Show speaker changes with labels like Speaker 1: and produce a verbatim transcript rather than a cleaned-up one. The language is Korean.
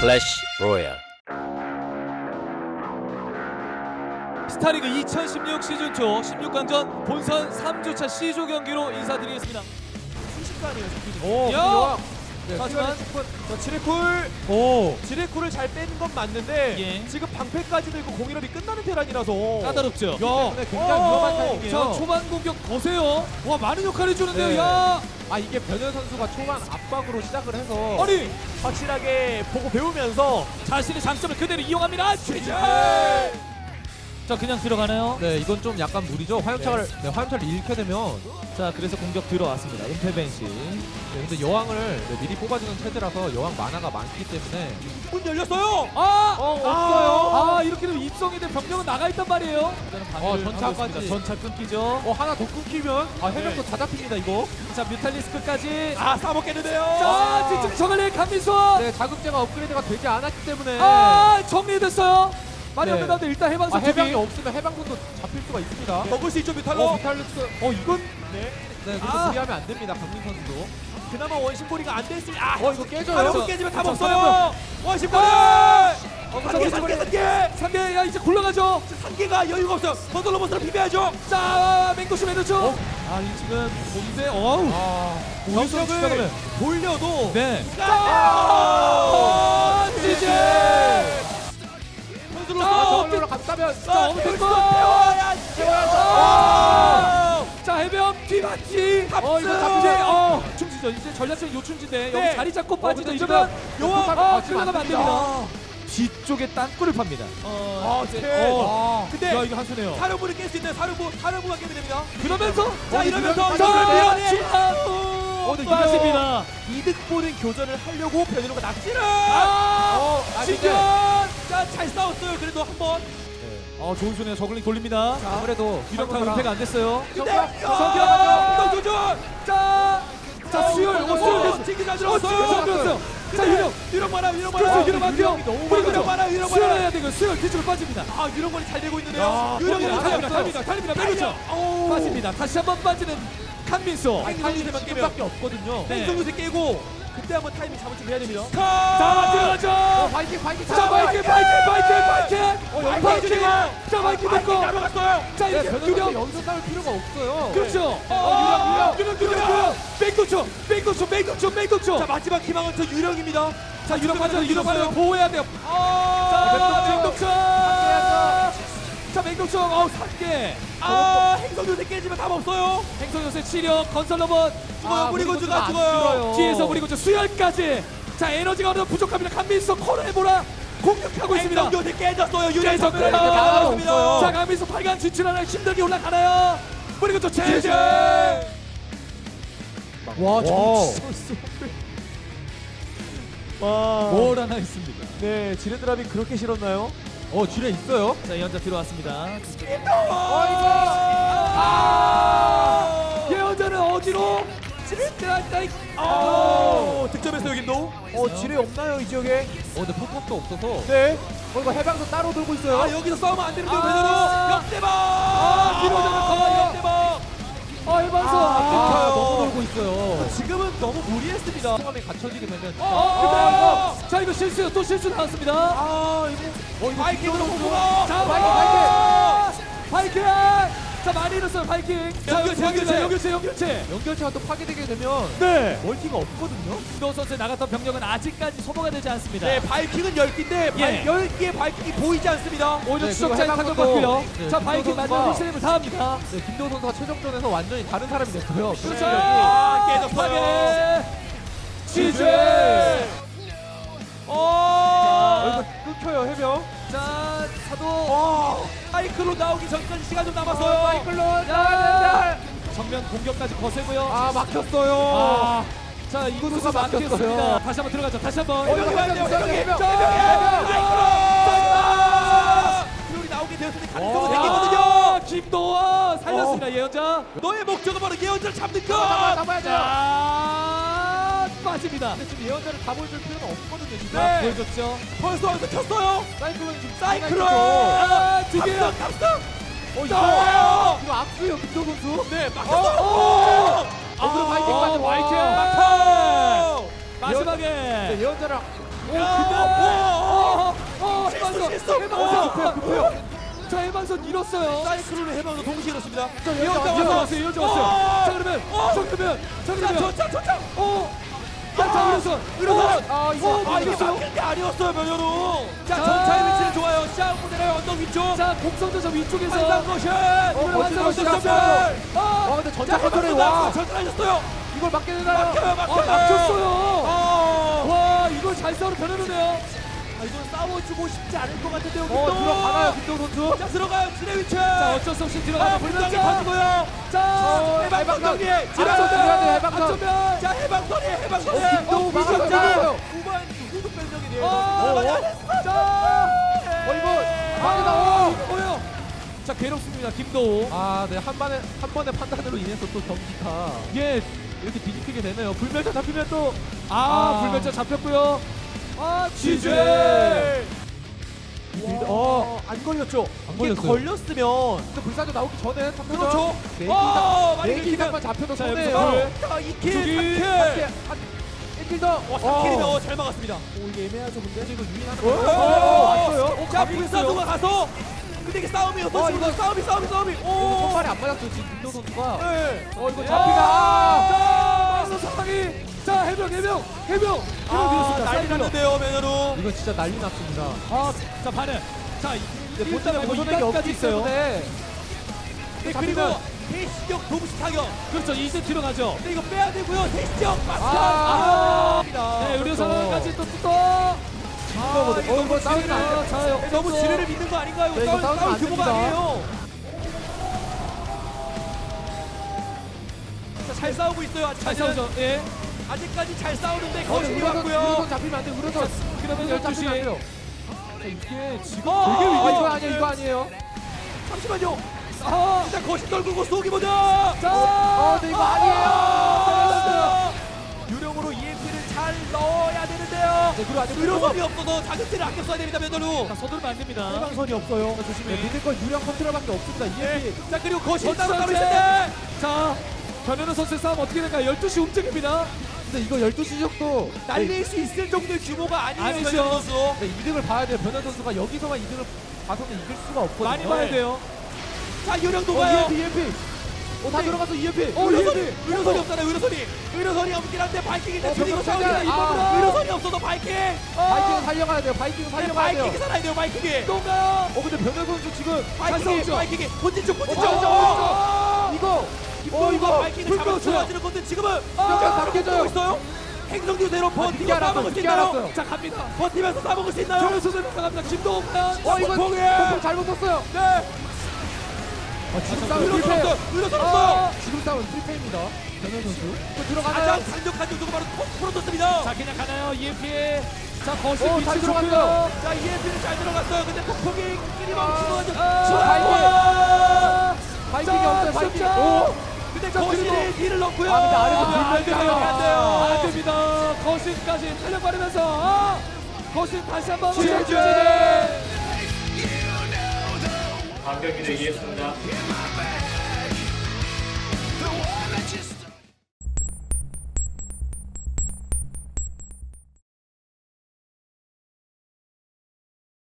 Speaker 1: 클래시 로얄.
Speaker 2: 스타리그 이천십육 시즌 초 십육 강전 본선 삼 주차 C조 경기로 인사드리겠습니다. 순식간이에요.
Speaker 3: 오,
Speaker 2: 야!
Speaker 3: 여왕. 네,
Speaker 2: 하지만
Speaker 3: 자, 지레쿨.
Speaker 2: 오
Speaker 3: 지레쿨을 잘 빼는 건 맞는데
Speaker 2: 예.
Speaker 3: 지금 방패까지 들고 공일업이 끝나는 테란이라서
Speaker 2: 까다롭죠.
Speaker 3: 야, 때문에 굉장히
Speaker 2: 오!
Speaker 3: 위험한 타이밍이에요.
Speaker 2: 자, 초반 공격 거세요. 와, 많은 역할 해주는데요.
Speaker 3: 네.
Speaker 2: 야,
Speaker 3: 아, 이게 변현 선수가 초반 압박으로 시작을 해서
Speaker 2: 아니
Speaker 3: 확실하게 보고 배우면서
Speaker 2: 자신의 장점을 그대로 이용합니다. 취재. 자, 그냥 들어가나요?
Speaker 3: 네, 이건 좀 약간 무리죠. 화염차를 네, 화염차를 잃게 되면
Speaker 2: 자, 그래서 공격 들어왔습니다. 은폐벤시.
Speaker 3: 네, 근데 여왕을 네, 미리 뽑아주는 체제라서 여왕 만화가 많기 때문에 문 열렸어요.
Speaker 2: 아,
Speaker 3: 어, 없어요.
Speaker 2: 아, 이렇게 되면 입성이 된 병력은 나가 있단 말이에요.
Speaker 3: 어, 전차까지.
Speaker 2: 전차 끊기죠.
Speaker 3: 어, 하나 더 끊기면 아, 해명도
Speaker 2: 네.
Speaker 3: 다 잡힙니다 이거.
Speaker 2: 자, 뮤탈리스크까지.
Speaker 3: 아, 싸먹겠는데요.
Speaker 2: 자, 뒤쪽 정할래 강민수.
Speaker 3: 네, 자극제가 업그레이드가 되지 않았기 때문에
Speaker 2: 아, 정리됐어요. 많이
Speaker 3: 네.
Speaker 2: 없는 가운데 일단 해방선
Speaker 3: 아, 해방이
Speaker 2: 투기.
Speaker 3: 없으면 해방군도 잡힐 수가 있습니다.
Speaker 4: 먹을 수 있죠 뮤탈로.
Speaker 3: 어, 비탈루스. 어, 이건
Speaker 4: 네.
Speaker 3: 네, 그래서
Speaker 2: 아.
Speaker 3: 무리하면 안 됩니다. 강민 선수도.
Speaker 4: 그나마 원심고리가 안 됐을. 아,
Speaker 3: 어, 이거 깨져요.
Speaker 4: 하나도 깨지면 답
Speaker 2: 자,
Speaker 4: 없어요. 원심고리.
Speaker 2: 아!
Speaker 4: 삼개 삼개 삼개.
Speaker 2: 삼 개, 야, 이제 굴러가죠.
Speaker 4: 삼개가 여유가 없어요. 건설로 버스로 비벼야죠.
Speaker 2: 자, 맹도시 매너죠. 아, 이 지금 본대 어우.
Speaker 3: 아,
Speaker 4: 병력을 돌려도.
Speaker 2: 네.
Speaker 4: 아,
Speaker 2: 지지.
Speaker 4: 선수로
Speaker 2: 아,
Speaker 3: 저걸로 갔다면
Speaker 2: 자, 어떻게
Speaker 4: 태워야
Speaker 2: 아! 자, 해병 뒤맞지.
Speaker 4: 탑승!
Speaker 2: 어, 이거 잡지. 어, 충지죠. 이제 전략적 요충지인데 여기
Speaker 4: 네.
Speaker 2: 자리 잡고 빠지죠.
Speaker 3: 근데
Speaker 2: 이러면
Speaker 3: 지금
Speaker 2: 요아
Speaker 3: 포탑
Speaker 2: 아,
Speaker 3: 맞으면 안
Speaker 2: 끌려가면 안 됩니다. 뒤쪽에 땅굴을 팝니다.
Speaker 4: 아, 네.
Speaker 2: 어.
Speaker 4: 근데
Speaker 2: 야, 이거 한수네요.
Speaker 4: 사령부를 깰 수 있는 사령부 사령부가 깨면 됩니다.
Speaker 2: 그러면서
Speaker 4: 자,
Speaker 3: 어,
Speaker 4: 이러면서
Speaker 3: 이러면
Speaker 4: 이걸 밀어내.
Speaker 3: 어, 근데
Speaker 2: 빠집니다.
Speaker 4: 이득 보는 교전을 하려고 변현우가 납치를.
Speaker 2: 아,
Speaker 3: 어, 아,
Speaker 4: 지금
Speaker 3: 근데
Speaker 4: 자, 잘 싸웠어요. 그래도 한 번.
Speaker 2: 어, 좋은 손이에요. 저글링 돌립니다.
Speaker 3: 자, 아무래도
Speaker 2: 유력한 은폐가 안 됐어요.
Speaker 4: 근데
Speaker 3: 성격,
Speaker 4: 성격 교전.
Speaker 2: 자, 자, 수열, 어, 수열,
Speaker 4: 징기 잘
Speaker 2: 어,
Speaker 4: 들어갔어요.
Speaker 2: 수열 들었어요. 자, 유력,
Speaker 4: 유령 많아, 유령
Speaker 2: 그렇죠,
Speaker 4: 많아.
Speaker 2: 유력 안 돼요.
Speaker 3: 너무
Speaker 2: 그리고
Speaker 4: 유령 많아, 유령 많아.
Speaker 2: 수열해야 되고 수열 뒤쪽으로 빠집니다.
Speaker 4: 아, 유령권이 잘 되고 있는데요.
Speaker 3: 야,
Speaker 4: 유령이
Speaker 3: 거기는
Speaker 4: 달립니다,
Speaker 3: 달렸어요.
Speaker 4: 달립니다.
Speaker 2: 달립니다, 달립니다. 그렇죠. 빠집니다. 다시 한번 빠지는 칸민소.
Speaker 4: 아니,
Speaker 3: 타이밍
Speaker 4: 타이밍
Speaker 3: 지금밖에 없거든요.
Speaker 2: 네.
Speaker 4: 땡성구세 깨고 그때 한번 타이밍 잡을 좀 해야 됩니다.
Speaker 2: 자, 들어가죠.
Speaker 3: 어, 바이킹 바이킹
Speaker 2: 자, 바이킹, 바이킹, 바이킹, 바이킹.
Speaker 4: 어, 여기
Speaker 2: 바이킹.
Speaker 4: 바이킹.
Speaker 2: 자, 바이킹
Speaker 4: 바이킹
Speaker 2: 됐고.
Speaker 4: 날아갔어요.
Speaker 2: 자,
Speaker 3: 네,
Speaker 2: 이렇게
Speaker 3: 변호사
Speaker 2: 유력.
Speaker 3: 여기서 싸울 필요가 없어요.
Speaker 2: 그렇죠.
Speaker 4: 어,
Speaker 2: 유력, 유력, 유력, 유력. 백도초, 백도초, 백도초, 백도초.
Speaker 4: 자, 마지막 희망은 저 유령입니다.
Speaker 2: 자, 유력 맞아요. 유력 맞아요.
Speaker 4: 들어갔어요.
Speaker 2: 보호해야 돼요.
Speaker 4: 아,
Speaker 2: 자,
Speaker 3: 백도초.
Speaker 2: 백도초. 자, 백도초. 어, 삼 개.
Speaker 4: 아, 행성요새 깨지면 답 없어요.
Speaker 2: 행성 요새 치력, 건설 로봇.
Speaker 4: 죽어요.
Speaker 3: 아,
Speaker 4: 무리군주가
Speaker 3: 안
Speaker 4: 죽어요.
Speaker 3: 죽어요.
Speaker 2: 뒤에서 무리군주 수열까지. 자, 에너지가 어느 정도 부족합니다. 강민수 코너에 몰아 공격하고 있습니다.
Speaker 4: 행성요새 깨졌어요. 유령
Speaker 2: 깨졌고요.
Speaker 4: 전멸이
Speaker 3: 나가고
Speaker 4: 나왔습니다.
Speaker 3: 없어요.
Speaker 2: 자, 강민수 팔 강 진출하나요? 힘들게 올라가나요? 무리군주 제재.
Speaker 3: 와,
Speaker 4: 와.
Speaker 3: 와.
Speaker 2: 뭘 하나 있습니다.
Speaker 3: 네, 지뢰드랍이 그렇게 싫었나요? 어, 지뢰 있어요?
Speaker 2: 자, 예언자 들어왔습니다.
Speaker 4: 아,
Speaker 2: 예언자는 어디로?
Speaker 4: 아, 득점했어요, 김도.
Speaker 3: 어, 지뢰 없나요, 이 지역에? 어, 근데 포탑도 없어서. 네. 어, 이거 해방도 따로 들고 있어요.
Speaker 4: 아, 여기서 싸우면 안 되는데요,
Speaker 2: 아.
Speaker 4: 배너로. 역대박.
Speaker 2: 아, 뒤로 잡았어요.
Speaker 4: 역대박.
Speaker 2: 어, 해방선.
Speaker 3: 아,
Speaker 2: 아,
Speaker 3: 너무 돌고 있어요.
Speaker 4: 지금은 너무 무리했습니다.
Speaker 3: 상황이 갖춰지게 되면.
Speaker 2: 어, 어, 근데 자, 이거 실수, 또 실수 나왔습니다.
Speaker 4: 아, 이거
Speaker 3: 어, 이거
Speaker 4: 바이킹으로
Speaker 3: 김도훈
Speaker 4: 공부가.
Speaker 2: 자,
Speaker 3: 바이킹,
Speaker 2: 바이킹, 바이킹. 자, 많이 잃었어요, 바이킹. 자,
Speaker 4: 연결체,
Speaker 2: 연결체,
Speaker 4: 연결체.
Speaker 2: 연결체, 연결체.
Speaker 3: 연결체가 또 파괴되게 되면
Speaker 2: 네.
Speaker 3: 멀티가 없거든요.
Speaker 2: 김도호 선수 나갔던 병력은 아직까지 소모가 되지 않습니다.
Speaker 4: 네, 바이킹은 열 개인데
Speaker 2: 예.
Speaker 4: 열 개의 바이킹이 보이지 않습니다.
Speaker 2: 오히려
Speaker 3: 네,
Speaker 2: 추적자의
Speaker 3: 그리고
Speaker 2: 타격받고요.
Speaker 3: 해방도- 네,
Speaker 2: 자,
Speaker 3: 김도호
Speaker 2: 바이킹
Speaker 3: 선수가-
Speaker 2: 마지막 힐세임을 다합니다.
Speaker 3: 네, 김도호 선수가 최종전에서 완전히 다른 사람이 됐고요.
Speaker 2: 그렇죠.
Speaker 4: 아, 깨졌어요.
Speaker 2: 파괴. 지지.
Speaker 3: 어,
Speaker 4: 어,
Speaker 3: 이거 끊겨요, 해병.
Speaker 2: 자, 사도.
Speaker 4: 와, 사이클로 나오기 전까지 시간 좀 남았어요.
Speaker 3: 사이클론.
Speaker 2: 야, 정면 공격까지 거세고요.
Speaker 3: 아, 막혔어요.
Speaker 2: 아, 자, 이곳에서
Speaker 3: 구두가
Speaker 2: 막혔습니다.
Speaker 3: 막혔어요.
Speaker 2: 다시 한번 들어가죠. 다시 한번.
Speaker 3: 어, 이거
Speaker 4: 해병이
Speaker 3: 해병,
Speaker 4: 해병이
Speaker 3: 해병,
Speaker 4: 해병,
Speaker 3: 해병, 해병.
Speaker 4: 사이클로. 룰이 나오게 되었을 때 가능성은 생기거든요.
Speaker 2: 아, 김도호 살렸습니다. 예언자.
Speaker 4: 너의 목적은 바로 예언자를 잡는
Speaker 3: 잡아,
Speaker 4: 거.
Speaker 3: 잡아야죠.
Speaker 2: 자, 빠집니다.
Speaker 3: 근데 지금 예언자를 다 보여줄 필요는 없거든요, 지금.
Speaker 2: 자,
Speaker 4: 네.
Speaker 2: 보여줬죠.
Speaker 4: 펄스 완전 켰어요.
Speaker 3: 사이클론이 지금
Speaker 4: 사이클론.
Speaker 2: 아, 두 개야.
Speaker 4: 탑승, 탑승.
Speaker 3: 어, 이거.
Speaker 4: 아!
Speaker 3: 이거 악수예요, 김도호 선수.
Speaker 4: 네,
Speaker 2: 어,
Speaker 4: 막혔어.
Speaker 2: 어,
Speaker 3: 어, 그럼 바이킹
Speaker 2: 어,
Speaker 3: 맞아.
Speaker 2: 바이킹.
Speaker 4: 막혀.
Speaker 2: 마지막에.
Speaker 3: 네, 예언자를
Speaker 2: 오,
Speaker 4: 야,
Speaker 2: 근데
Speaker 4: 오,
Speaker 2: 어,
Speaker 4: 실수,
Speaker 2: 해방선,
Speaker 4: 실수.
Speaker 2: 해방선,
Speaker 4: 급해요, 급해요.
Speaker 2: 자, 해방선 잃었어요.
Speaker 4: 사이클론을 해방도 동시에 이렇습니다.
Speaker 2: 이어져 왔어요, 이어져 왔어요. 자, 그러면, 자, 그러면, 자, 그러면,
Speaker 4: 저차 저차.
Speaker 2: 어, 자, 자, 의료선,
Speaker 4: 의료선.
Speaker 2: 아, 이거,
Speaker 4: 아, 이게
Speaker 2: 이겼어요.
Speaker 4: 막힌 게 아니었어요, 변현우. 자,
Speaker 2: 자.
Speaker 4: 전차의 위치는 좋아요. 시작 무대를 언덕 위쪽.
Speaker 2: 자, 공성전사 위쪽에서
Speaker 4: 한상 거신.
Speaker 2: 이번에 완성
Speaker 4: 거신
Speaker 2: 시작.
Speaker 4: 점멸.
Speaker 2: 아,
Speaker 3: 와 근데 전차
Speaker 4: 자,
Speaker 3: 컨트롤이
Speaker 4: 전차
Speaker 3: 와
Speaker 4: 전차하셨어요.
Speaker 3: 이걸 막게 되나요?
Speaker 4: 막혀요,
Speaker 2: 아,
Speaker 4: 막혀요.
Speaker 2: 막혔어요.
Speaker 4: 어.
Speaker 2: 와, 이걸 잘 싸우는 변현우네요.
Speaker 4: 아, 이건 싸워주고 싶지 않을 것 같은데요.
Speaker 3: 어
Speaker 4: 김동.
Speaker 3: 들어가나요 김동 선수?
Speaker 4: 자, 들어가요. 지뢰 위치.
Speaker 2: 자, 어쩔 수 없이
Speaker 4: 아,
Speaker 2: 들어가요.
Speaker 4: 불장이
Speaker 2: 불면자.
Speaker 4: 터지고요.
Speaker 2: 자,
Speaker 4: 해방선 경기.
Speaker 3: 해방선 들어가야 돼요, 해방선.
Speaker 2: 안전면.
Speaker 4: 자, 해방선이 해방선이.
Speaker 3: 어, 김동우 막았어요,
Speaker 4: 미쳤죠?
Speaker 3: 막았어요.
Speaker 4: 후반 후속 변경이네요.
Speaker 2: 어,
Speaker 4: 아,
Speaker 2: 어, 자,
Speaker 3: 어 이거 막이다
Speaker 2: 아,
Speaker 3: 어.
Speaker 2: 이거요. 자, 괴롭습니다. 김도우.
Speaker 3: 아네한 번에 한 번의 판단으로 인해서 또 경기가
Speaker 2: 예,
Speaker 3: 이렇게 뒤집히게 되네요. 불멸자 잡히면 또
Speaker 2: 아,
Speaker 3: 아.
Speaker 2: 불멸자 잡혔고요. 아, 지지.
Speaker 3: 빌드- 어,
Speaker 4: 안 걸렸죠?
Speaker 3: 안
Speaker 4: 이게
Speaker 3: 걸렸어요.
Speaker 4: 걸렸으면
Speaker 3: 근데 불사조 나오기 전에 잡혀서
Speaker 4: 그렇죠.
Speaker 3: 네
Speaker 4: 어, 많이
Speaker 3: 기
Speaker 4: 긁히면
Speaker 3: 이상만 잡혀도
Speaker 2: 자,
Speaker 3: 손해요.
Speaker 2: 여기서
Speaker 4: 자, 이 킬,
Speaker 2: 두기.
Speaker 4: 삼 킬.
Speaker 3: 일킬 더.
Speaker 4: 어, 삼 킬이면 어, 잘 막았습니다.
Speaker 3: 오 이게 애매하죠 근데 이거 유인하는
Speaker 4: 어,
Speaker 3: 거.
Speaker 4: 어,
Speaker 3: 왔어요.
Speaker 2: 어,
Speaker 4: 자,
Speaker 2: 가고
Speaker 4: 불사조가 가서 근데 이게 싸움이었어.
Speaker 3: 어,
Speaker 4: 지금
Speaker 3: 이거-
Speaker 4: 싸움이 싸움이 싸움이.
Speaker 3: 이거
Speaker 4: 오.
Speaker 3: 손발이 안 맞았어 지금 김도 선수가.
Speaker 4: 네.
Speaker 3: 어 이거
Speaker 2: 야!
Speaker 3: 잡히다. 아!
Speaker 2: 자, 막는 상황이. 자, 해병, 해병, 해병.
Speaker 4: 아,
Speaker 2: 밀어드렸습니다.
Speaker 4: 난리
Speaker 2: 사이드로.
Speaker 4: 났는데요, 매너로.
Speaker 3: 이거 진짜 난리 났습니다.
Speaker 2: 아, 자, 반응. 자,
Speaker 3: 근데
Speaker 2: 일단
Speaker 3: 본진에
Speaker 2: 뭐
Speaker 3: 보선액이
Speaker 2: 이까지
Speaker 3: 없기
Speaker 2: 있어요.
Speaker 3: 때문에
Speaker 4: 네,
Speaker 3: 잡히면-
Speaker 4: 그리고 대시적 동시 타격.
Speaker 2: 그렇죠. 이제 들어가죠.
Speaker 4: 근데 이거 빼야 되고요. 대시적 막타.
Speaker 3: 아.
Speaker 4: 아.
Speaker 2: 네, 의료
Speaker 3: 그렇죠.
Speaker 2: 상황까지 또 또.
Speaker 3: 아,
Speaker 4: 이거
Speaker 3: 어 이거 싸우면 안 돼요.
Speaker 2: 자,
Speaker 4: 네, 너무 지뢰를 믿는 거 아닌가요?
Speaker 3: 네, 이거
Speaker 4: 싸울,
Speaker 3: 싸우면
Speaker 4: 싸울
Speaker 3: 안
Speaker 4: 규모가
Speaker 3: 됩니다.
Speaker 4: 아니에요. 자, 잘 싸우고 있어요.
Speaker 2: 잘
Speaker 4: 아직까지는.
Speaker 2: 싸우죠. 예.
Speaker 4: 아직까지 잘 싸우는데
Speaker 3: 어,
Speaker 4: 거신이
Speaker 3: 우려선
Speaker 4: 왔고요.
Speaker 3: 우려선 잡히면 안 돼. 우려선.
Speaker 2: 그러면
Speaker 3: 열
Speaker 2: 열두 시.
Speaker 3: 잡히면 안 돼요.
Speaker 2: 자, 이게 지금
Speaker 4: 어,
Speaker 2: 되게
Speaker 3: 아
Speaker 2: 위기.
Speaker 3: 이거 아니에요. 이거 아니에요.
Speaker 4: 잠시만요.
Speaker 2: 아,
Speaker 4: 일단 거신 떨구고 쏘기 보자.
Speaker 2: 자,
Speaker 3: 어 근데 이거 아니에요.
Speaker 4: 아, 유령으로 이엠피를 잘 넣어야 되는데요.
Speaker 3: 네, 그리고 아직
Speaker 4: 의료선이 없어서 자극제를 아껴 써야 됩니다, 면도루.
Speaker 2: 자, 서두르면 안 됩니다.
Speaker 4: 해방선이 없어요.
Speaker 2: 조심해.
Speaker 3: 네, 믿을 건 유령 컨트롤밖에 없습니다.
Speaker 4: 예.
Speaker 3: 이엠피.
Speaker 4: 자, 그리고 거신 따로 따로
Speaker 2: 선수
Speaker 4: 있을 때.
Speaker 2: 자, 변현우 선수의 싸움 어떻게 될까요? 열두 시 움직입니다.
Speaker 3: 근데 이거 열두 시 적도
Speaker 4: 날릴 수 있을 정도의 규모가 아니에요,
Speaker 2: 아니죠.
Speaker 4: 변현우 선수.
Speaker 3: 네, 이득을 봐야 돼요. 변현 선수가 여기서만 이득을 봐서는 이길 수가 없거든요.
Speaker 2: 많이 봐야 돼요.
Speaker 4: 자, 유령
Speaker 3: 어,
Speaker 4: 녹아요.
Speaker 3: 이엠피, 이엠피. 어, 다 들어가서 이엠피.
Speaker 2: 어,
Speaker 4: 의료선이,
Speaker 2: 이엠피.
Speaker 4: 의료선이 없잖아요, 의료선이. 의료선이 없긴 한데 바이킹이
Speaker 3: 어,
Speaker 4: 대표리고
Speaker 3: 병력
Speaker 4: 싸우기가
Speaker 3: 차지.
Speaker 4: 이번으로
Speaker 3: 아.
Speaker 4: 의료선이 없어서 바이킹.
Speaker 3: 바이킹 살려가야 돼요. 바이킹
Speaker 4: 네,
Speaker 3: 살려가야 돼요.
Speaker 4: 바이킹이 살아야 돼요, 바이킹이.
Speaker 2: 또 가요.
Speaker 3: 어, 근데 변현 선수 지금
Speaker 4: 바이킹이,
Speaker 2: 싸우죠.
Speaker 4: 바이킹이. 본진 쪽, 본진
Speaker 3: 어,
Speaker 4: 쪽.
Speaker 3: 어, 어, 이거
Speaker 4: 어, 이거 바이킹을
Speaker 2: 불
Speaker 4: 잡아
Speaker 2: 끄었어요.
Speaker 4: 들어가지는 건데 지금은
Speaker 3: 아,
Speaker 4: 바로
Speaker 3: 바뀌어져요.
Speaker 4: 고 있어요. 행성유대로
Speaker 3: 늦게
Speaker 4: 버티고
Speaker 3: 알았어요,
Speaker 4: 싸먹을 수
Speaker 3: 늦게
Speaker 4: 있나요?
Speaker 3: 알았어요.
Speaker 2: 자, 갑니다.
Speaker 4: 버티면서 싸먹을 수 있나요?
Speaker 2: 변현우 선수 나갑니다. 김동욱 과연.
Speaker 3: 어, 이거
Speaker 4: 봉봉에.
Speaker 3: 봉봉 잘못 썼어요.
Speaker 4: 네.
Speaker 3: 아, 지금 싸움
Speaker 4: 의료선
Speaker 3: 실패.
Speaker 4: 없어요. 의료선 없어요.
Speaker 3: 지금 싸움은 실패입니다. 변현 선수. 또
Speaker 4: 가장
Speaker 3: 들어가나요?
Speaker 4: 강력한 정도가 바로 프로토스입니다.
Speaker 2: 자, 그냥 가나요? 이엠피. 자, 거실
Speaker 3: 어,
Speaker 2: 위치
Speaker 3: 잘
Speaker 2: 좋고요.
Speaker 3: 들어갔어요.
Speaker 4: 자, 이엠피는 잘 들어갔어요. 근데 폭풍이 끼리 멈추고 가지고.
Speaker 2: 아,
Speaker 3: 바이킹이
Speaker 2: 자,
Speaker 3: 없어요. 바이킹.
Speaker 2: 진짜.
Speaker 3: 오.
Speaker 4: 근데
Speaker 2: 자,
Speaker 4: 거실이
Speaker 2: 그리고-
Speaker 4: 뒤를 넣고요.
Speaker 3: 아, 근데 아래서
Speaker 2: 아, 안
Speaker 3: 불멸
Speaker 2: 돼요.
Speaker 3: 잡으면
Speaker 4: 안 돼요.
Speaker 2: 안 됩니다. 거실까지 탄력 받으면서 아, 거실 다시 한번
Speaker 4: 지지!
Speaker 2: 지지!
Speaker 1: 반격기를 이해했습니다.
Speaker 5: The one that just